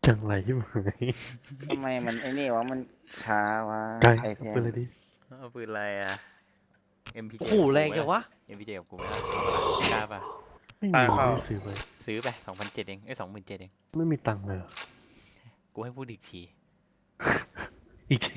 จังไรไหมทำไมมันไอ้นี่วะมันช้าวะไกลไอเทเอามไปเลยดิเอาปืนอะไรอ่ะ MPJ โอ้โหแรงจังวะ MPJ กับกูไหมล่ะเอาปะล่ะกล้าป่ะไม่มีไม่ได้ซื้อไปซื้อไป2,700เอง27,000เองไม่มีตังค์เลยเหรอกูให้พูดอีกทีอีกที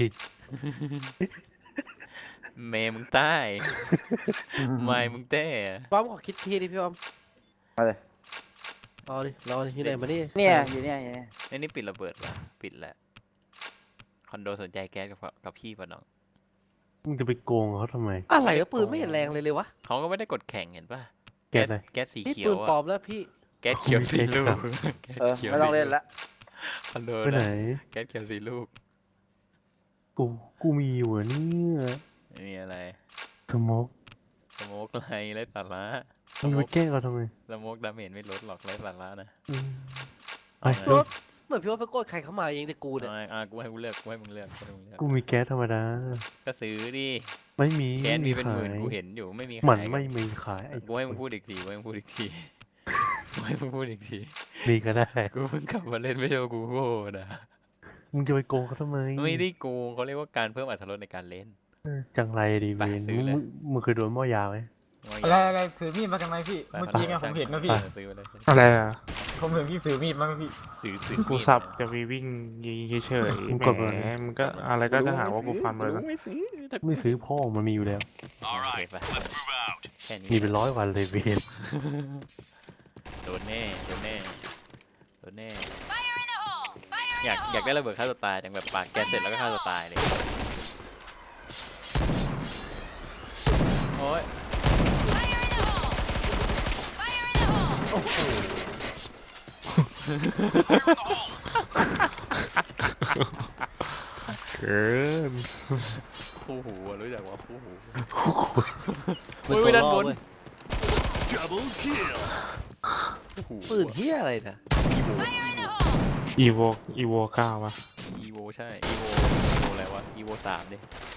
เมย์มึงใต้ไม่มึงเต้ป้อมขอคิดทีดิพี่ป้อมเอาเลยเอาดิรอดิที่ไหนมาดิเนี่ยอยู่เนี่ยอยู่เนี่ยไอ้นี่ปิดระเบิดป่ะปิดแหละคอนโดสนใจแก๊สกับพี่ป่ะน้องมึงจะไปโกงเขาทำไมอะไรวะปืนไม่เห็นแรงเลยวะเขาก็ไม่ได้กดแข่งเห็นป่ะแก๊สอะไรแก๊สสีนี่เขียปืวนปลออะมแล้วพี่แก๊สเขียวสีลูกแก๊สเออเขียวไม่ต้องเล่นละคอนโดไปไหนนะแก๊สเขียวสีลูกกูมีอยู่อะเนี่ยไม่มีอะไรสโมกสโมกอะไรไร้สาระสมึงโมมาก แกล้งเราทำไมสโมกดาเมจไม่ลดหรอกไร้สาระนะอืมไปเอาไงรถเหมือนพี่ว่าไปกดใครเข้ามาเองแต่กูเนี่ยเอาไงกูให้กูเลือกกูให้มึงเลือกกูให้มึงเลือกกูมีแก๊สธรรมดาก็ซื้อดิไม่มีแก๊สมีเป็นหมื่นขายกูเห็นอยู่ไม่มีมันขายไม่มีขายไอ้กูให้มึงพูดอีกทีกูให้มึงพูดอีกทีกูให้มึงพูดอีกทีมีก็ได้กูเพิ่งกลับมาเล่นไม่ใช่ว่ากูโง่นะมึงจะไปโกงเขาทำไมไม่ได้โกงเขาเรียกว่าการเพิ่มอรรถรสในการเล่นจังไรดีไปเวนซื้อเลยมึงเคยโดนหม้อยาวไหมอะไรอะไรถือมีดมาทำไมพี่ เมื่อกี้ไงผมเห็นนะพี่ซื้อไปเลยอะไรอ่ะผมเห็นพี่ถือมีดมาพี่ซื้อกูมีดสับนะจะมีวิ่งยิงเฉยมึงๆกดมาแหมมันก็อะไรก็จะหาว่ากูฟันเลยไม่ซื้อไม่ซื้อพ่อมันมีอยู่แล้วโอเคไปแค่นี้มีเป็น100 วันเลยเวนโดนแน่โดนแน่โดนแน่อยากได้ระเบิดฆ่าตัวตายจังแบบปากแกสเสร็จแล้วก็ฆ่าตัวตายเลยโอ้ยเกินคู่หูอะรู้จักว่าคู่หูเป็นอุ้ตัยว ด้านล่อบนเว้ยคู่หูปืนเฮียอะไรนะอีโวอีโว9วะอีโวใช่อีโวอะไรวะอีโว3ดิ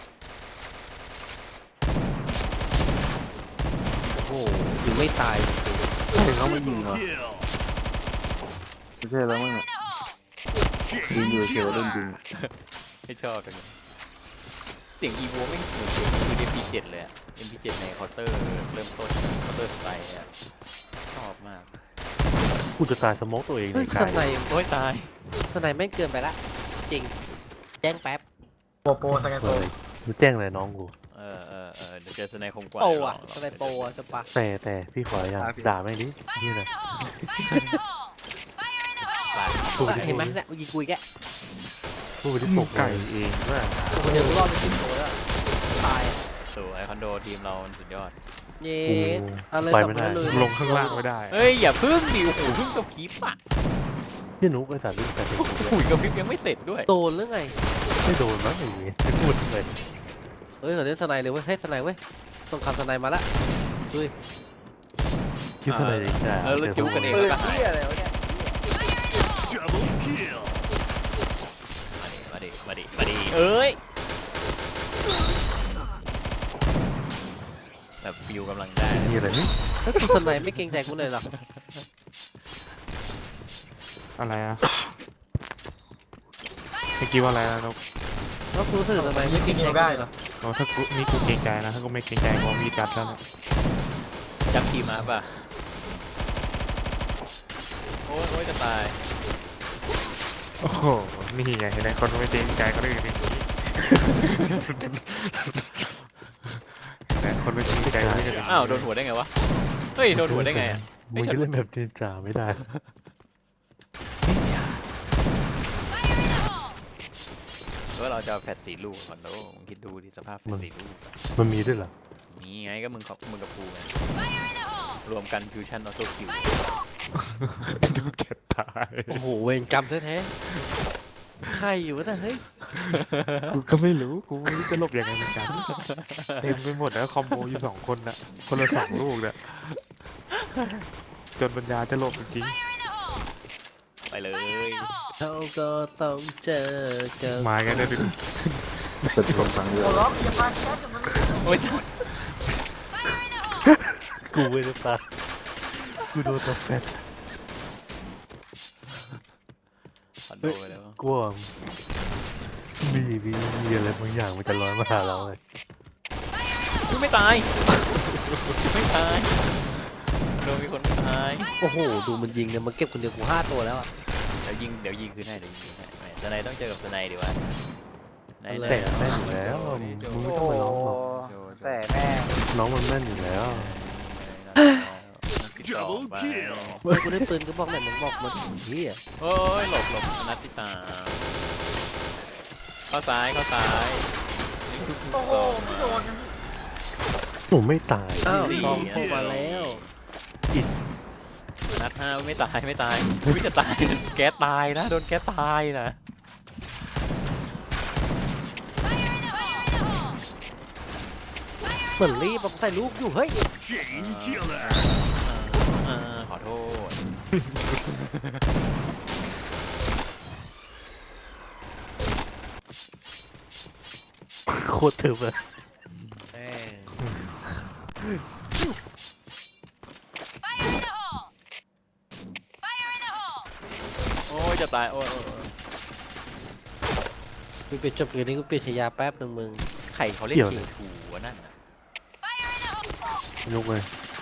โอ้โหยิงไม่ตายถึงเขาไม่ยิงเหรอไม่ใช่แล้วมั้งอะยิงอยู่เฉยๆเล่นยิงไม่ชอบจังเลยเสียงอีโวไม่เหมือนเสียงคือ MP7 เลยอะ MP7 ในเคาน์เตอร์เริ่มต้นเคาน์เตอร์สไตล์อะชอบมากกูจะตายสโมกตัวเองเลเฮ้ยยสกายไนโอ้ยตายสไนแม่งเกินไปละจริงแจ้งแป๊บโปสแกนโปเลยมึงแจ้งเลยน้องกูเดี๋ยวเจอสไนคมกว่าโปรลอะงสไนโปรอะจะปะแต่พี่ขออย่างด่าแม่งดินี่นะ พูดไปดิเห็นไหมเนี่ยยิงกุยแกพูดไปที่หปมูกไก่เลยเองว่าคนเดียวรอดไป10 ตัวแล้วตายอะสวยคอนโดทีมเราสุดยอดเย้กูเอาเลยไปสองไม่คได้นเลยลงข้างล่างไม่ได้เฮ้ยอย่าพึ่งดิโอ้โหพึ่งกับพริบอ่ะพี่นุ๊กไอ้สารลูกแต่เด็กโอ้โหกับพริบยังไม่เสร็จด้วยโดนหรือไงไม่โดนมั้งไอ้เว้ยไม่พูดเลยเฮ้ยเขาเล่นสไนเลยเว้ยให้สไนเว้ยต้องคำสไนมาละเฮ้ยคิดซะเลยดิแล้วจุ๊บกันเองปืนก็หายเที่ยอะไรวะเนี่ยมาดิเอ้ยแบบฟิวกำลังได้นี่อะไรนี่แล้วกูสไนไม่เกรงใจกูเลยเหรออะไรอ่ะเมื่อกี้ว่าอะไรนะนกแล้วกูรู้สึกสไนไม่เกรงใจกูเลยเหรอโอ้ถ้ากูนี่กูเกรงใจนะถ้ากูไม่เกรงใจกูมีจัดแล้วนะจับทีมมาป่ะโอ้ยจะตายโอ้โหนี่ไงเห็นไหมคนไม่เกรงใจก็ได้อย่างนี้เห็นไหมคนไม่เกรงใจก็ได้อย่างนี้อ้าวโดนหัวได้ไงวะเฮ้ยโดนหัวได้ไงอ่ะมึงจะเล่นแบบเจนจ่าไม่ได้ก็เราจะเอาแฟดสีลูกคอนโดมึงคิดดูดิสภาพแฟดสีลูกอะมันมีด้วยเหรอนี่ไงก็มึงกับกูไงรวมกันฟิวชั่นออโต้คิวดูเก็บตายโอ้โหเวรกรรมแท้ๆใครอยู่วะน่ะเฮ้ยกูก็ไม่รู้กูไม่รู้จะหลบยังไงเหมือนกันเต็มไปหมดแล้วคอมโบอยู่2 คนน่ะคนละ2 ลูกเนี่ยจนปัญญาจะหลบจริงไปเลยเขาก็ต้องเจอกับๆมากันได้ดิจะชมฟังเยอะล็อกอย่ามาแคสมันโอ้ยกูไม่ได้ตายกูโดนตัวแฟตคอนโดไปแล้วกลัวมีอะไรบางอย่างมันจะลอยมาหาเราเลยอุ๊ยไม่ตายไม่ตายคอนโดมีคนตายโอ้โหดูมันยิงเนี่ยมันเก็บคนเดียวกู5 ตัวแล้วอะเดี๋ยวยิงคืนให้ไม่สไนต้องเจอกับสไนดีกว่าไหนเอาเลยแต่แม่นอยู่แล้วมึงไม่ต้องมาร้องหรอกแต่แม่งน้องมันแม่นอยู่แล้ว Double kill เฮ้ยกูได้ปืนก็บอกไหนมึงบอกมันเฮียโอ้ยหลบนัดที่ตาเข้าซ้ายนี่คือโอ้โหไม่โดนกันผมไม่ตายอ้าวสี่ซองโผล่มาแล้วนัด5ไม่ตายไม่จะตายแก๊สตายนะโดนแก๊สตายนะเหมือนรีบเอาใส่ลูกอยู่เฮ้ย Chain killer. ขอโทษโคตรถึกเลยแม่งโอ้ยจะตายโอ้ยกูเปลี่ยนจบเกมนี้กูเปลี่ยนฉายาแป๊บนึงมึงไข่เขาเล่นเก่งถูวะนั่นน่ะลุกเลย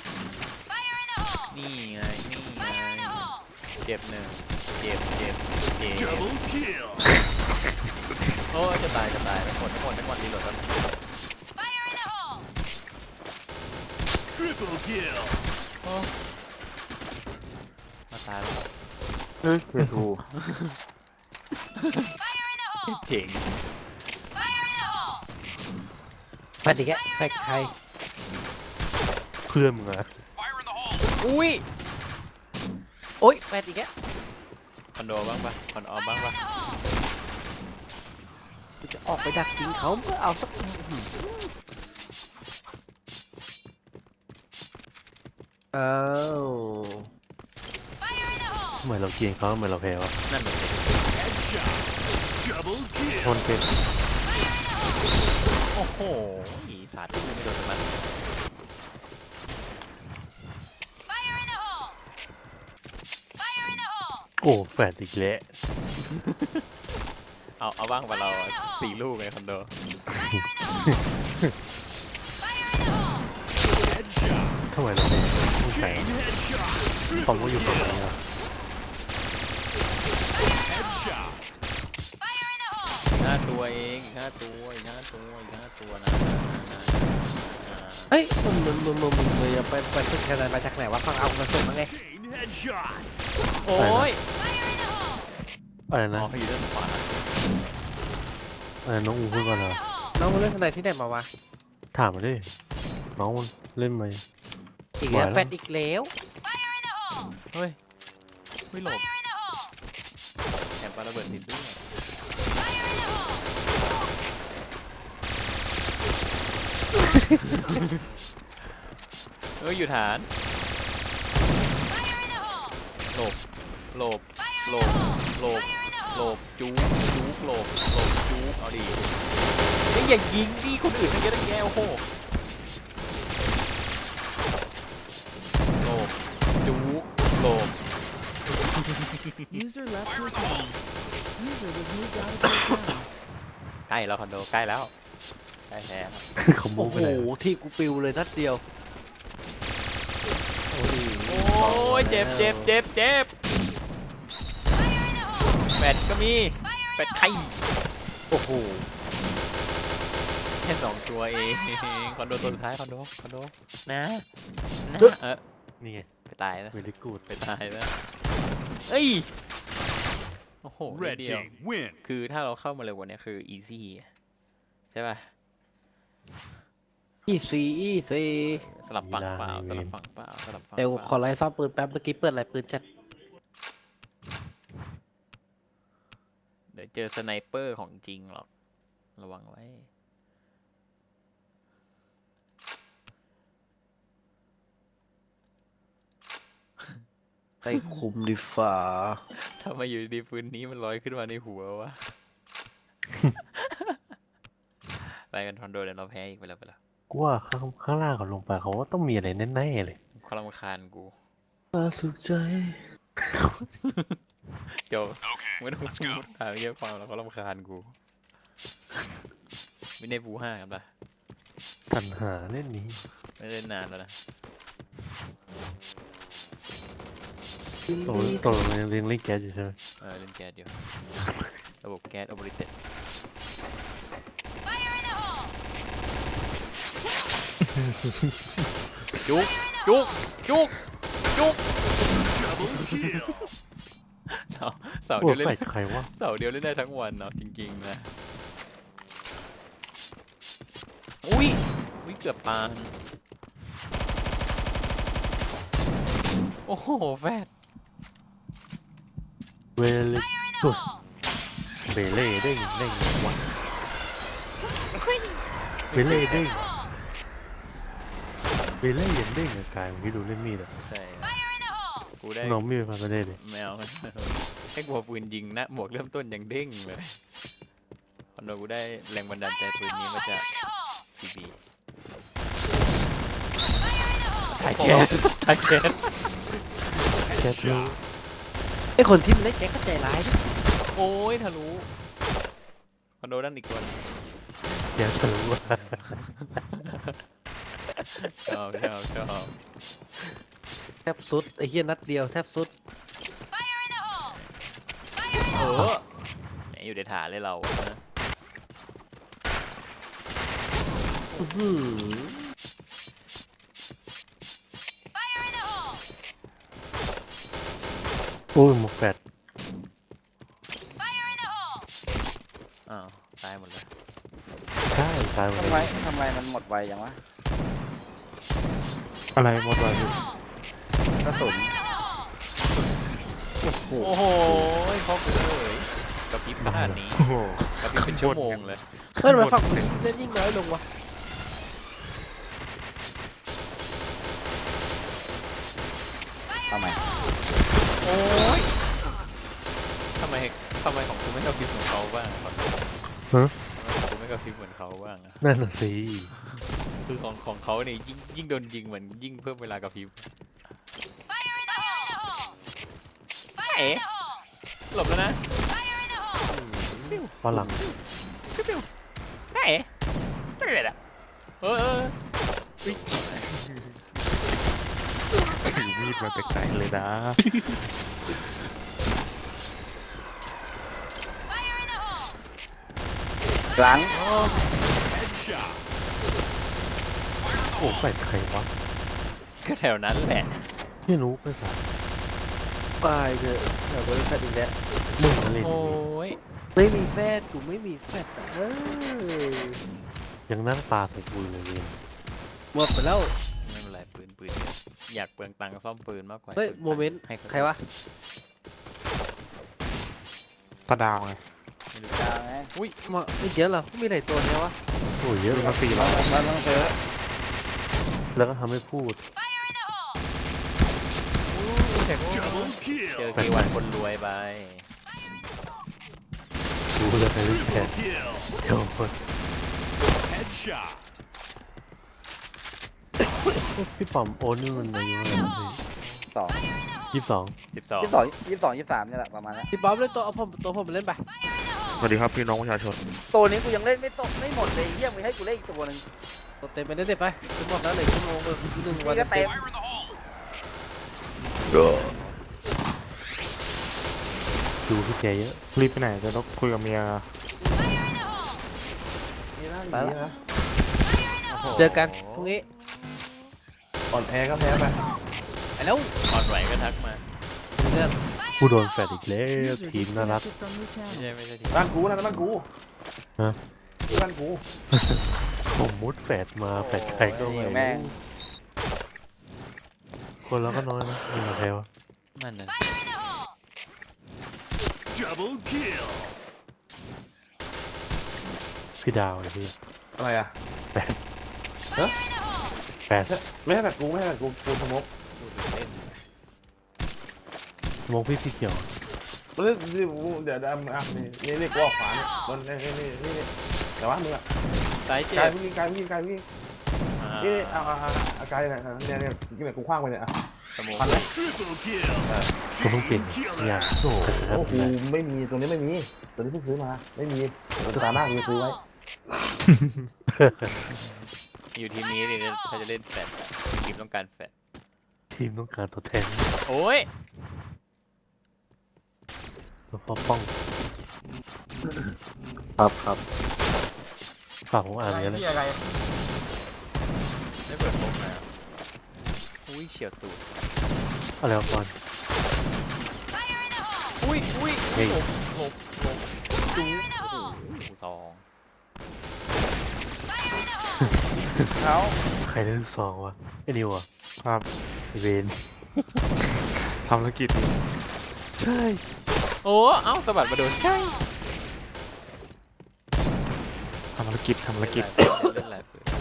นี่ไงเจ็บหนึ่งเจ็บ Double kill. โอ้ยจะตายทั้งหมดรีโหลดแล้ว Triple kill. มาตายแล้วเฮ้ยเคทูเจ๋งแฟนอีกแกแฟนใครเพื่อนมึงอะอุ้ยโอ๊ยแฟนอีกแกคอนโดบ้างปะคอนออมบ้างปะกูจะออกไปดักยิงเขาเพื่อเอาสักอ้าวเหมือนเราเกลียงเขาเหมือนเราแพ้วะนั่นเลย Headshot. Double ช kill. นเป็นโอ้โหอีสาดไม่โดนมันโอ้แฟดอีกแล้วเอาบ้างปะเรา4 ลูกในคอนโด Headshot. ทำไมเราเป็นผู้แข่ง Chain headshot. เขา Triple ก็อยู่ตรงนี้ kill. อะ Headshot. 5 ตัวเองอีก 5 ตัวนะเฮ้ยมึงจะไปขึ้นคะแนนมาจากไหนวะฟังเอากระสุนมาไง Chain headshot. โอ้ยอะไรอ๋นะอเขาอยู่ด้านขวาอะไรน้องอูพูดก่อนเหรอน้องมึงเล่นสไนที่ไหนมาวะถามมาดิน้องมันเล่นไหมอีกแล้วมาแล้วแฟนอีกแล้วเฮ้ยไม่หลบแถมปาระเบิดติดด้วยเอ้ยอยู่ฐานหลบจุ๊กหลบจุ๊กเอาดินี่อย่ายิงดิคนอื่นมันเยอะตั้งแยะโอ้โหหลบจุ๊กหลบ User left your channel. User was moved out of your channel. ใกล้แล้วคอนโดใกล้แล้วใกล้แพ้แล้วเขาโม้โอ้ไปโหไหนที่กูปิวเลยนัดเดียวโอ้ยโอ้ยเจ็บแฟดก็มีแฟดไข่โอ้โหแค่2 ตัวเองคอนโดตัวสุดท้ายคอนโดนะนี่ไงไปตายแล้วเวลิกูดไปตายแล้วเอ้ยโอ้โหนิด Red เดียว team win. คือถ้าเราเข้ามาเร็วกว่านี้คือ easy ใช่ป่ะอีซีสลับฝั่งเปล่าเดี๋ยวขอไล่ซ่อมปืนแป๊บเมื่อกี้เปิดอะไรปืนจัดเดี๋ยวเจอสไนเปอร์ของจริงหรอกระวังไว้ไปคุมดีฝ่าถ้ามาอยู่ดีๆปืนนี้มันลอยขึ้นมาในหัววะ ไปกันคอนโดเดี๋ยวเราแพ้อีกไปแล้วกูว่าข้างล่างเขาลงไปเขาว่าต้องมีอะไรแน่ๆเลยความรำคาญกูมาสุขใจเดี๋ยวไม่ต้องพูดหาเยอะความแล้วก็รำคาญกูไม่ได้บู5กันปะสัญหาเล่นนี้ไม่ได้นานแล้วนะตัวมันยังเล่นแก๊สอยู่ใช่ไหมเล่นแก๊สเดียวระบบแก๊สออเปอเรเต็ดจุกจุกจุกจุก Double kill. เสาโอ้เดียวเล่นแฟดใครวะเสาเดียวเล่นได้ทั้งวันเนาะจริงๆนะอุ้ยเกือบปานโอ้โหแฟดเวลิกุสเบเล่เด้งวะเบเล่เด้งเบเล่ยังเด้งอะกายมึงที่ดูเล่นมีดอะใช่กูได้น้องมีดมาก็ได้เลยแมวให้กูเอาปืนยิงนะหมวกเริ่มต้นยังเด้งเลยคอนโดกูได้แรงบันดาลใจปืนนี้มาจากทีบีถ่ายแก๊สถ่ายแก๊สแก๊สรู้ไอ้คนที่มันเล่นแก๊กก็ใจร้ายนะโอ้ยทะลุคอนโดด้านอีกคนแก๊สรู้ว่าชอบแทบสุดไอ้เหี้ยนัดเดียวแทบสุดเออไหนอยู่ในฐานเลยเราอะนะอื้อหือโอ้ยหมวกแฟดอ้าวตายหมดเลยใช่ตายหมดทำไมเลยทำไมมันหมดไวจังวะอะไรหมดเลยกระสุนโอ้โหเขาเลยกระพริบขนาดนี้โอ้โหกระพริบเป็นชั่วโมงเลยเฮ้ยทำไมฝั่งกูเล่นยิ่งน้อยลงวะทำไมโอ้ยทำไมของกูไม่กระพริบเหมือนเขาบ้างทำไมของกูไม่กระพริบเหมือนเขาบ้างอะนั่นน่ะสิคือของเขาเนี่ยยิ่งโดนยิงเหมือนยิ่งเพิ่มเวลากระพริบเอ๋หลบแล้วนะฝรั่งเอ๋ไม่เป็นไรอะถือมีดมาแต่ไกลเลยนะหลัง Headshot. โอ้แฟดใครวะก็แถวนั้นแหละไม่รู้ไปสายตายเถอะเดี๋ยวกูจะแฟดอีกแล้วมึงมาเล่นโอ้ยไม่มีแฟดกูไม่มีแฟดอะยังนั่งปลาใส่กูเลยเว้ยหมดไปแล้วไม่เป็นไรปืนเยอะอยากเปลืองตังค์ซ่อมปืนมากกว่าเฮ้ยปืนโมเมนต์ให้ใครวะตาดาวไงไม่รู้ดาวไงมาไม่เยอะหรอมีหลายตัวเนี่ยวะโอ้ยเยอะดูนะมา400 มันต้องซื้อแล้วก็ทำให้พูด Double เจอ kill. กี่วันคนรวยไปรู้เลยใครเล่นแฟ Triple ด kill. เดี๋ยวคน Headshot. พี่ป๋อมโอนนี่มันอายุเท่าไหร่สอง 22 12 22 23นี่แหละประมาณนั้นพี่บ๊อบเล่นตัวผมเล่นไปสวัสดีครับพี่น้องประชาชนตัวนี้กูยังเล่นไม่หมดเลยเยี่ยมไปให้กูเล่นอีกตัวหนึงตัวเต็มไปเล่นเด็ดไปทั้งหมดแล้วเหลยชั่วโมงเลยหนึ่งวันนี่ก็เต็มดูพี่แกเยอะรีบไปไหนจะต้องคุยกับเมียไปละเจอกันพรุ่งนี้อ่อนแพ้ก็แพ้ไปไปแล้วอ่อนไหวก็ทักมาเรื่องกูโดนแฟดอีกแล้ว User ทีมน่ารัก disconnected from your channel. ไม่ใช่ทีบ้านกูนะบ้านกูฮะบ้านกูผมมุดแฟดมาแฟดใครก็ไม่แม่งรู้คนเราก็น้อยนะมีมาแพ้วะนั่นน่ะ Double kill. พี่ดาวไอ้พี่อะไรอ่ะแฟดไม่ให้แบบกูกูสมกพูดถึงเล่นมองพี่สีเขียวเดี๋ยวนี่กูออกขวาเนี่ยบนนี่แต่ว่ามึงอ่ะสายเจ็กายบวิ่งนี่เอากายเนี่ยกูคว้างไปเนี่ยสมองพันไหม Triple kill. ก็เพิ่งเปลี่ยนอย่างโอ้โหโอ้กูไม่มีตัวนี้ไม่มีตัวนี้เพิ่งซื้อมาไม่มีตัวตาหน้ากูซื้อไว้อยู่ทีมนี้ดิถ้าจะเล่นแฟดอะทีมต้องการแฟดทีมต้องการตัวแทนโอ้ยเพราะป้องครับฝากผมอ่านอะไรเนี้ยเลยพี่อะไรไม่เปิดโปกนะอุ้ยเฉียวตูดอะไรวะบอลอุ้ยเฮ้ยหลบจูโอ้โหซองใครได้ลูกซองวะไอ้นิวอ่ะครับไอ้เวนทำธุรกิจอยู่ใช่โอ้เอ้าสะบัดมาโดนใช่ทำธุรกิจทำธุรกิจเล่นหลายปืน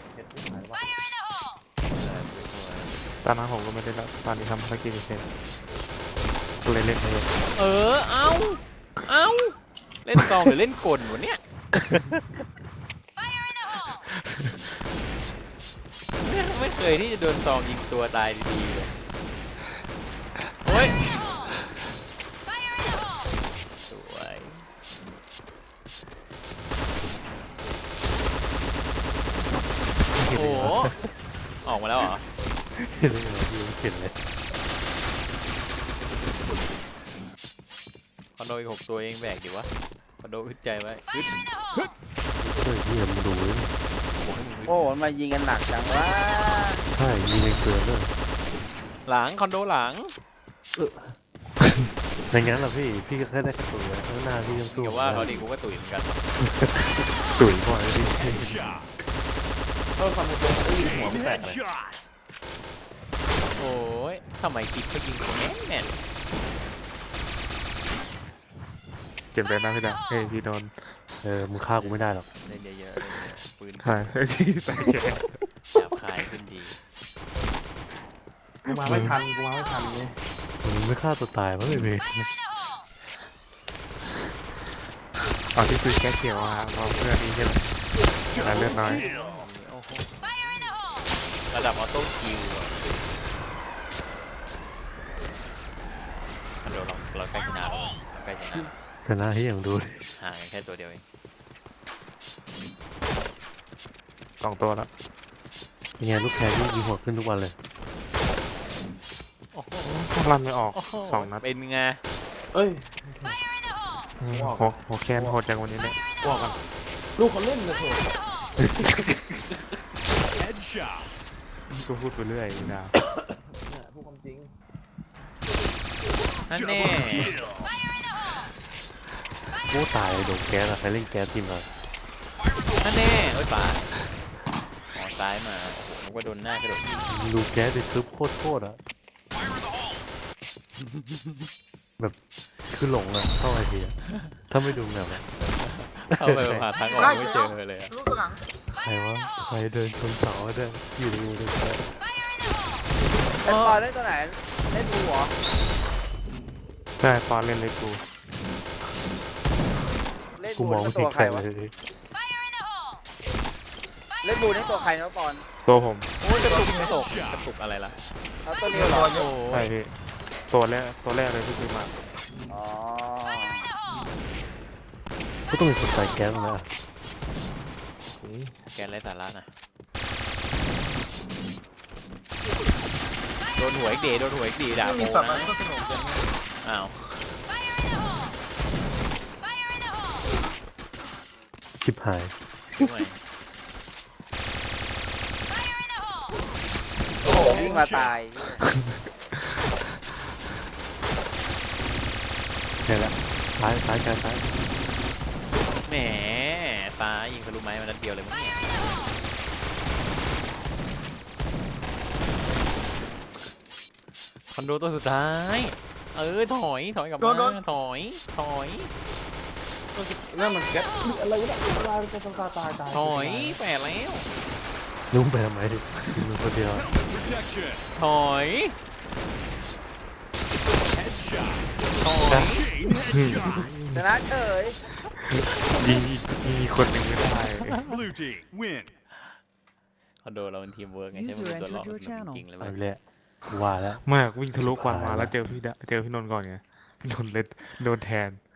ตอนนั้นผมก็ไม่ได้แล้วตอนนี้ทำธุรกิจเฉยๆก็เลยเล่นไปเลยเอ้าเล่นซองหรือเล่นกลวะเนี่ยไม่เคยที่จะโดนซองยิงตัวตายดีๆเลยโอ้ยสวยโอ้โหออกมาแล้วเหรอเห็นเลยพี่เห็นเลยคอนโดอีก6 ตัวเองแบกดิวะคอนโดอึดใจไว้อึดเฮ้ยพี่มันดูเลยบอกให้มึงอึดโอ้มันมายิงกันหนักจังวะใช่ยิงเกินเลยหลังคอนโดหลังอย่างงั้นเหรอพี่ก็แค่ได้กระตุ้นเลยข้างหน้าพี่ยังสู้อย่าว่าเขาดิกูก็ตุ๋ยเหมือนกันตุ๋ยบ่อยเลยพี่ Headshot. เออความเป็นตัวไอ้หัวไม่แตกเลย Headshot. โอ้ยทำไมคิดเขายิงกูแม่นเก็บเลยนะพี่ดาเฮ้ยพี่โดนมึงฆ่ากูไม่ได้หรอกเล่นเยอะๆเล่นเยอะๆปืนใช่ที่ใส่แกหยาบคายขึ้นดีกูมาไม่ทันเลยมึงไม่ฆ่าตัวตายมั้งไอ้เวนอ๋อที่ซื้อแก๊สเขียวอ่ะเพราะเพื่อนนี้ใช่ไหมแต่เลือดน้อย Kill. โอ้โหระดับออโต้คิวอะเดี๋ยวเราใกล้ชนะแล้วเราใกล้ชนะชนะที่อย่างดูเลยห่างกันแค่ตัวเดียวเอง 2 ตัวแล้วยังไงลูกแพรที่ยิงหัวขึ้นทุกวันเลยโอ้โหลั่นไม่ออกโอ้โห 2 นัดเป็นไงเอ้ยหัวแคนโหดจังวันนี้เลยบอกกันลูกเขาเล่นเลยเถอะ Headshot. ก็พูดไปเรื่อยพี่ดาเนี่ยพูดความจริงนั่น Double แน่ kill. กูตายโดนแก๊สอะใครเล่นแก๊สทีมเรานั่นแน่เอ้ยป่าอ๋อซ้ายมาโอ้โหนึกว่าโดนหน้ากระโดดยิงดูแก๊สไปทึบโคตรอะแบบคือหลงอะเข้าไอทีอะถ้าไม่ดูแบบอะเข้าไปหาทางออกไม่เจอเลยอะลูกตัวหลังใครวะใครเดินชนเสาเดินอยู่ในมือเดินแก๊สไอ้ปอนเล่นตัวไหนเล่นบูเหรอใช่ตอนเล่นเลยกูเล่นกูบูมองนี่ไม่ตัเห็วน ใคใครรวะเลยเล่นบูนี่ตัวใครนะปอนตัวผมโอ้ยกระตุกอะไรล่ะแล้วตัวนี้เหรอโอ้ใช่ยพี่ตัวแรกเลยที่ซื้อมาอ๋อก็ต้องมีคนใส่แก๊สนะแกนไรสาระนะโดนหัวอีกดีด่าไม่โมมีสับนะมันก็สนุกอย่างนี้อ้าวชิบหายด้วยโอ้โหวิ่งมาตายเนี่ยแหละซ้ายแก๊สซ้ายแหมตายิงทะลุไม้มานัดเดียวเลยมั้งเนี่ยคอนโดตัวสุดท้ายถอยกลับมาถอยนั่นมันแก๊สอะไรวะเนี่ยตายตายถอยแปดแล้วนุ่มไปทำไมดิยิงมือคนเดียว Protection. ถอย Headshot. ถอย Chain headshot. ชนะเฉยยิงคนหนึ่งไม่ได้ Blue team win. คอนโดเราเป็นทีมเวิร์กไงใช่ไหมเป็นตัวหลอกมันจริงๆเลยไปเว้ยเลยกูว่าแล้วไมากวิ่งทะลุควันมาแล้วเจอพี่นนท์ก่อนไงพี่นนท์เลยโดนแทน